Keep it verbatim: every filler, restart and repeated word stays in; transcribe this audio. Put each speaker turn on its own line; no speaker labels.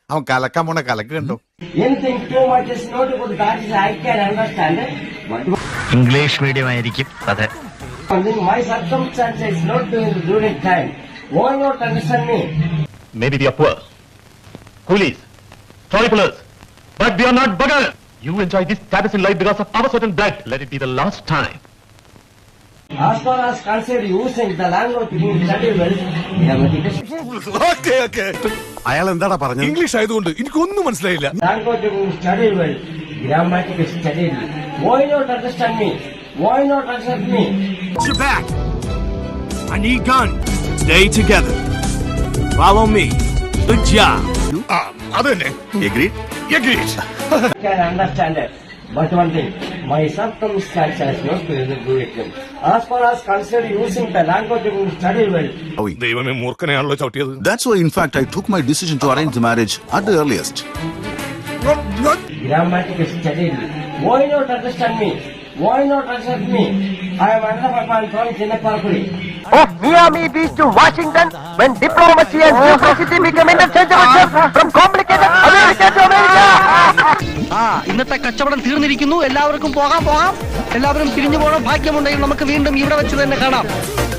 അവൻ കലക്കാൻ പോണ കലക്ക് കണ്ടോ.
Anything too much is not good. That is I can understand it. But
English medium ആയിരിക്കും. അതെ.
my circumstances is not doing during time. Why not understand me?
Maybe we are poor, coolies, toy pullers, but we are not beggars. You enjoy this status in life because of our certain blood. Let it be the last time.
As far as consider using the language you study well,
അയാൾ എന്താടാ പറഞ്ഞത്?
English ആയതുകൊണ്ട് എനിക്കൊന്നും മനസ്സിലായില്ല.
language you study well, grammatic study. Why not understand me? Why not understand me?
You're back. I need gun. Stay together. Follow me. Good job. അത് തന്നെ.
Agreed?
Agreed.
I can understand it. But one thing, my circumstances not doing during time. As far as consider using the language you study well,
ദൈവമേ മൂർഖനെയാണല്ലോ ചവിട്ടിയത്.
That's why, in fact, I took my decision to arrange the marriage at the earliest.
grammatic study. Why not understand me? Why not understand me? I am another man from Chinnaparpuri.
Of Miami Beach to Washington, when diplomacy and geography become interchangeable from complicated America to America. ആ ഇന്നത്തെ കച്ചവടം തീർന്നിരിക്കുന്നു. എല്ലാവർക്കും പോകാം പോകാം എല്ലാവരും പിരിഞ്ഞു പോകണം. ഭാഗ്യമുണ്ടെങ്കിൽ നമുക്ക് വീണ്ടും ഇവിടെ വെച്ച് തന്നെ കാണാം.